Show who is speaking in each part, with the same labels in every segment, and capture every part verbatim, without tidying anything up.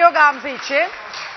Speaker 1: geliyor Gamze için.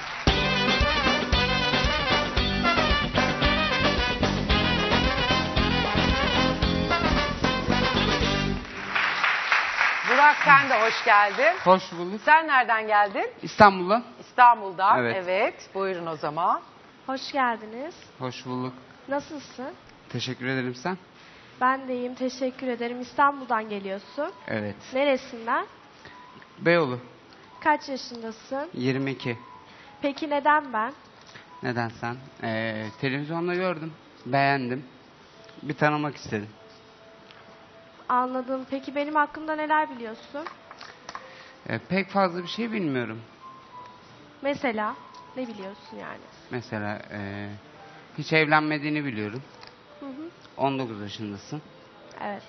Speaker 1: Burak, sen de hoş geldin.
Speaker 2: Hoş bulduk.
Speaker 1: Sen nereden geldin?
Speaker 2: İstanbul'dan.
Speaker 1: İstanbul'dan.
Speaker 2: Evet.
Speaker 1: Evet. Buyurun o zaman.
Speaker 3: Hoş geldiniz.
Speaker 2: Hoş bulduk.
Speaker 3: Nasılsın?
Speaker 2: Teşekkür ederim, sen?
Speaker 3: Ben de iyiyim, teşekkür ederim. İstanbul'dan geliyorsun.
Speaker 2: Evet.
Speaker 3: Neresinden?
Speaker 2: Beyoğlu.
Speaker 3: Kaç yaşındasın?
Speaker 2: yirmi iki.
Speaker 3: Peki neden ben?
Speaker 2: Neden sen? Ee, televizyonda gördüm. Beğendim. Bir tanımak istedim.
Speaker 3: Anladım. Peki benim hakkımda neler biliyorsun?
Speaker 2: Ee, pek fazla bir şey bilmiyorum.
Speaker 3: Mesela ne biliyorsun yani?
Speaker 2: Mesela ee, hiç evlenmediğini biliyorum.
Speaker 3: Hı hı.
Speaker 2: on dokuz yaşındasın.
Speaker 3: Evet.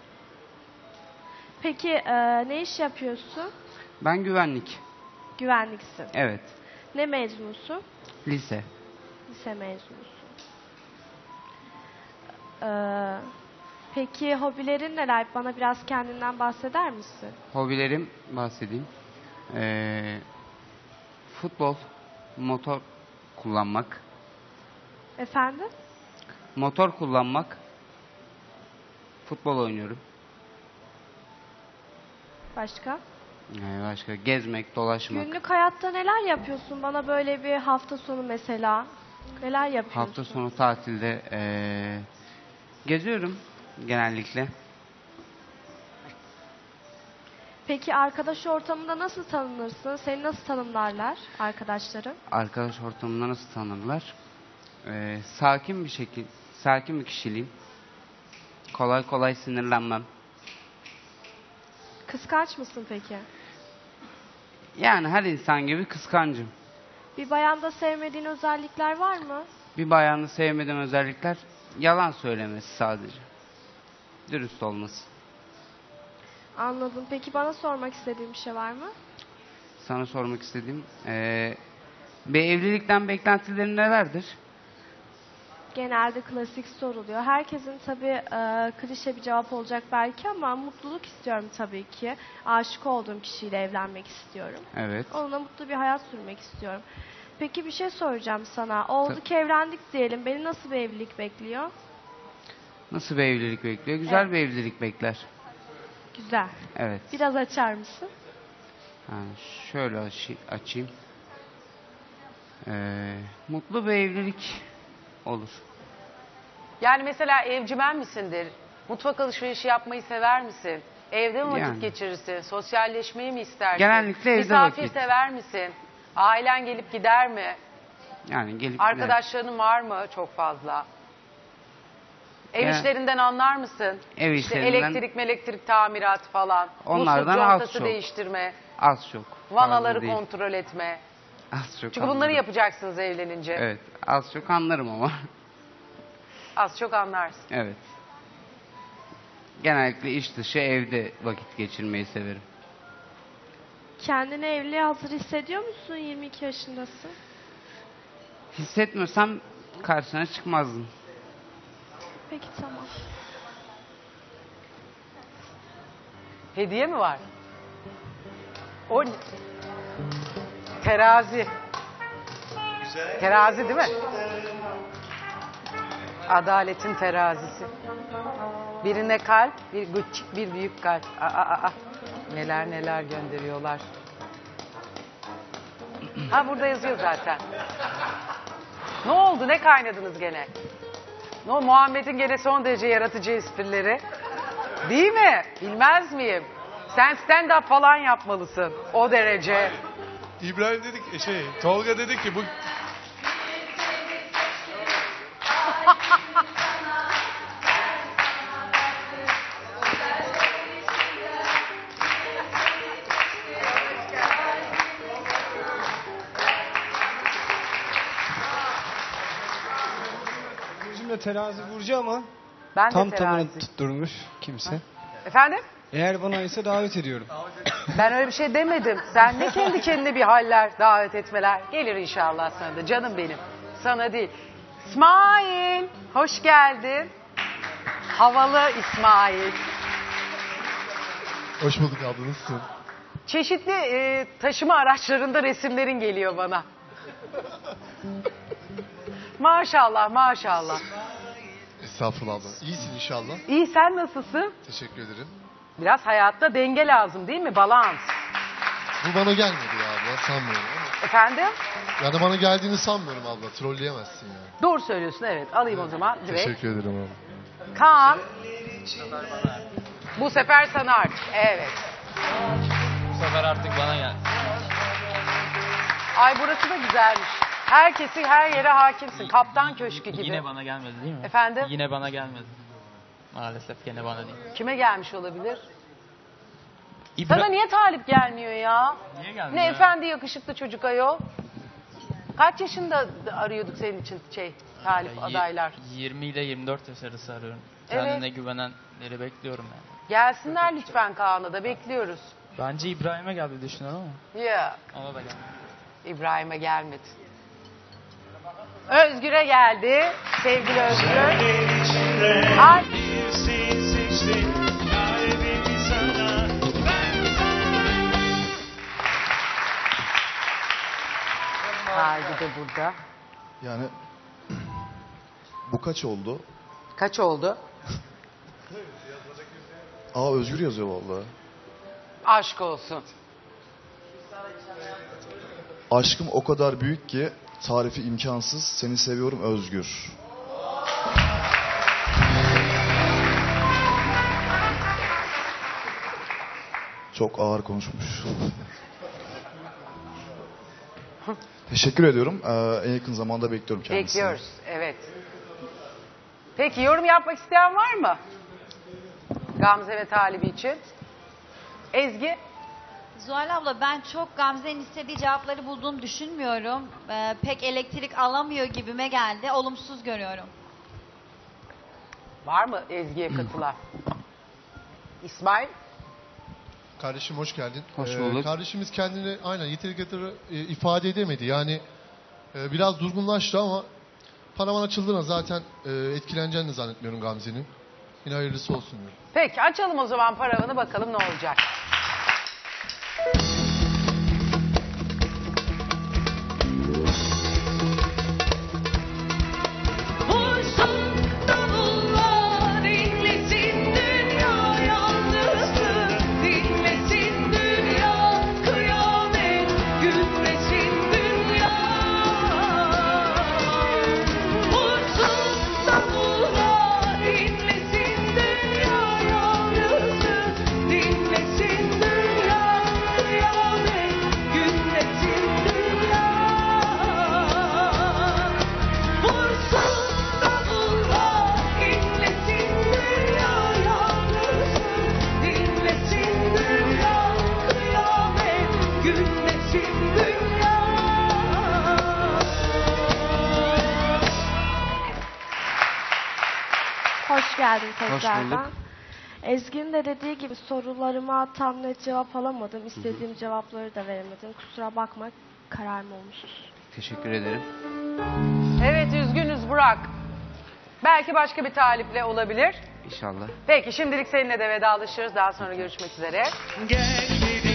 Speaker 3: Peki e, ne iş yapıyorsun?
Speaker 2: Ben güvenlik.
Speaker 3: Güvenliksin.
Speaker 2: Evet.
Speaker 3: Ne mezunusun?
Speaker 2: Lise.
Speaker 3: Lise mezunusun. Ee, peki hobilerin neler? Bana biraz kendinden bahseder misin?
Speaker 2: Hobilerim bahsedeyim. Ee, futbol, motor kullanmak.
Speaker 3: Efendim?
Speaker 2: Motor kullanmak. Futbol oynuyorum.
Speaker 3: Başka?
Speaker 2: Ee, başka gezmek, dolaşmak.
Speaker 3: Günlük hayatta neler yapıyorsun? Bana böyle bir hafta sonu mesela. Neler yapıyorsun?
Speaker 2: Hafta sonu tatilde ee, geziyorum genellikle.
Speaker 3: Peki arkadaş ortamında nasıl tanınırsın? Seni nasıl tanımlarlar arkadaşların?
Speaker 2: Arkadaş ortamında nasıl tanırlar? Ee, sakin bir şekil, sakin bir kişiliğim. Kolay kolay sinirlenmem.
Speaker 3: Kıskanç mısın peki?
Speaker 2: Yani her insan gibi kıskancım.
Speaker 3: Bir bayanda sevmediğin özellikler var mı?
Speaker 2: Bir bayanı sevmediğim özellikler yalan söylemesi sadece. Dürüst olması.
Speaker 3: Anladım. Peki bana sormak istediğin bir şey var mı?
Speaker 2: Sana sormak istediğim ee, bir evlilikten beklentilerin nelerdir?
Speaker 3: Genelde klasik soruluyor. Herkesin tabii e, klişe bir cevap olacak belki ama mutluluk istiyorum tabii ki. Aşık olduğum kişiyle evlenmek istiyorum.
Speaker 2: Evet.
Speaker 3: Onunla mutlu bir hayat sürmek istiyorum. Peki bir şey soracağım sana. Oldu
Speaker 2: Tabii.
Speaker 3: ki evlendik diyelim. Beni nasıl bir evlilik bekliyor?
Speaker 2: Nasıl bir evlilik bekliyor? Güzel
Speaker 3: Evet.
Speaker 2: bir evlilik bekler.
Speaker 3: Güzel.
Speaker 2: Evet.
Speaker 3: Biraz açar mısın?
Speaker 2: Yani şöyle açı- açayım. Ee, mutlu bir evlilik olur.
Speaker 1: Yani mesela evcimen misindir? Mutfak alışverişi yapmayı sever misin? Evde mi vakit
Speaker 2: Yani.
Speaker 1: geçirirsin? Sosyalleşmeyi mi istersin?
Speaker 2: Genellikle evde
Speaker 1: Misafir
Speaker 2: vakit.
Speaker 1: sever misin? Ailen gelip gider mi?
Speaker 2: Yani gelip
Speaker 1: Arkadaşlarının var mı çok fazla? Ev
Speaker 2: Yani-
Speaker 1: işlerinden anlar mısın?
Speaker 2: Ev
Speaker 1: İşte
Speaker 2: işlerinden-
Speaker 1: elektrik elektrik tamirat falan.
Speaker 2: Onlardan
Speaker 1: Musluk
Speaker 2: az
Speaker 1: contası
Speaker 2: çok.
Speaker 1: değiştirme.
Speaker 2: az çok.
Speaker 1: Vanaları
Speaker 2: fazla değil.
Speaker 1: kontrol etme.
Speaker 2: Az çok
Speaker 1: Çünkü bunları
Speaker 2: anlarım.
Speaker 1: yapacaksınız evlenince.
Speaker 2: Evet. Az çok anlarım ama.
Speaker 1: Az çok anlarsın.
Speaker 2: Evet. Genellikle iş dışı evde vakit geçirmeyi severim.
Speaker 3: Kendini evliliğe hazır hissediyor musun? yirmi iki yaşındasın.
Speaker 2: Hissetmiyorsam karşına çıkmazdım.
Speaker 3: Peki tamam.
Speaker 1: Hediye mi var? O ne? Terazi. Terazi değil mi? Adaletin terazisi. Birine kalp, bir küçük, bir büyük kalp. Aa, aa, aa. Neler neler gönderiyorlar. Ha burada yazıyor zaten. Ne oldu? Ne kaynadınız gene? Ne o Muhammed'in gene son derece yaratıcı esprileri. Değil mi? Bilmez miyim? Sen stand-up falan yapmalısın. O derece.
Speaker 4: İbrahim dedik şey Tolga dedi ki bu Burcu'nda terazi Burcu ama
Speaker 1: Ben de
Speaker 4: tam
Speaker 1: terazi.
Speaker 4: tamını tutturmuş kimse.
Speaker 1: Efendim?
Speaker 4: Eğer bana ise davet ediyorum.
Speaker 1: Ben öyle bir şey demedim. Sen ne kendi kendine bir haller, davet etmeler. Gelir inşallah sana da. Canım benim. Sana değil. İsmail, hoş geldin. Havalı İsmail.
Speaker 5: Hoş bulduk abla, nasılsın?
Speaker 1: çeşitli e, taşıma araçlarında resimlerin geliyor bana. Maşallah maşallah.
Speaker 5: Estağfurullah abla. İyisin inşallah.
Speaker 1: İyi, sen nasılsın?
Speaker 5: Teşekkür ederim.
Speaker 1: Biraz hayatta denge lazım değil mi? Balans.
Speaker 5: Bu bana gelmedi ya abla. Sanmıyorum ama.
Speaker 1: Efendim?
Speaker 5: Yani bana geldiğini sanmıyorum abla. Trolleyemezsin yani.
Speaker 1: Doğru söylüyorsun, evet. Alayım o zaman direkt.
Speaker 5: Teşekkür ederim abla.
Speaker 1: Kaan. Bu sefer sana artık. Evet.
Speaker 6: Bu sefer artık bana gel.
Speaker 1: Ay burası da güzelmiş. Herkesi her yere hakimsin. Kaptan köşkü gibi.
Speaker 6: Yine bana gelmedi değil mi?
Speaker 1: Efendim?
Speaker 6: Yine bana gelmedi. Maalesef gene bana değil.
Speaker 1: Kime gelmiş olabilir?
Speaker 6: İbra-
Speaker 1: Sana niye talip gelmiyor ya?
Speaker 6: Niye gelmiyor
Speaker 1: Ne
Speaker 6: ya?
Speaker 1: efendi yakışıklı çocuk ayol. Kaç yaşında arıyorduk senin için şey talip
Speaker 6: Ya, y-
Speaker 1: adaylar?
Speaker 6: yirmi ile yirmi dört yaş arası arıyorum.
Speaker 1: Evet.
Speaker 6: Kendine güvenenleri bekliyorum yani.
Speaker 1: Gelsinler lütfen Kaan'a da bekliyoruz.
Speaker 6: Bence İbrahim'e geldi düşünüyorum ama.
Speaker 1: Ya
Speaker 6: Ona da gelmedi.
Speaker 1: İbrahim'e gelmedi. Özgür'e geldi. Sevgili Özgür. Ay. Haydi de burada.
Speaker 5: Yani bu kaç oldu?
Speaker 1: Kaç oldu?
Speaker 5: Aa Özgür yazıyor vallahi.
Speaker 1: Aşk olsun.
Speaker 5: Aşkım o kadar büyük ki tarifi imkansız. Seni seviyorum Özgür. Çok ağır konuşmuş. Teşekkür ediyorum. Ee, en yakın zamanda bekliyorum kendisini.
Speaker 1: Bekliyoruz. Evet. Peki yorum yapmak isteyen var mı? Gamze ve Talibi için. Ezgi?
Speaker 7: Zuhal abla ben çok Gamze'nin istediği cevapları bulduğunu düşünmüyorum. Ee, pek elektrik alamıyor gibime geldi. Olumsuz görüyorum.
Speaker 1: Var mı Ezgi'ye katılan? İsmail?
Speaker 5: Kardeşim hoş geldin.
Speaker 2: Hoş bulduk.
Speaker 5: Ee, kardeşimiz kendini aynen yeteri kadar e, ifade edemedi. Yani e, biraz durgunlaştı ama paravan açıldığına zaten e, etkileneceğini zannetmiyorum Gamze'nin. Yine hayırlısı olsun diyorum.
Speaker 1: Peki açalım o zaman paravanı bakalım ne olacak.
Speaker 3: Hoş geldin
Speaker 2: bulduk.
Speaker 3: tekrardan. Ezgi'nin de dediği gibi sorularıma tam net cevap alamadım. İstediğim cevapları da veremedim. Kusura bakma, kararım olmuştur.
Speaker 2: Teşekkür ederim.
Speaker 1: Evet üzgünüz Burak. Belki başka bir taliple olabilir.
Speaker 2: İnşallah.
Speaker 1: Peki şimdilik seninle de vedalaşıyoruz. Daha sonra görüşmek üzere.
Speaker 8: Gel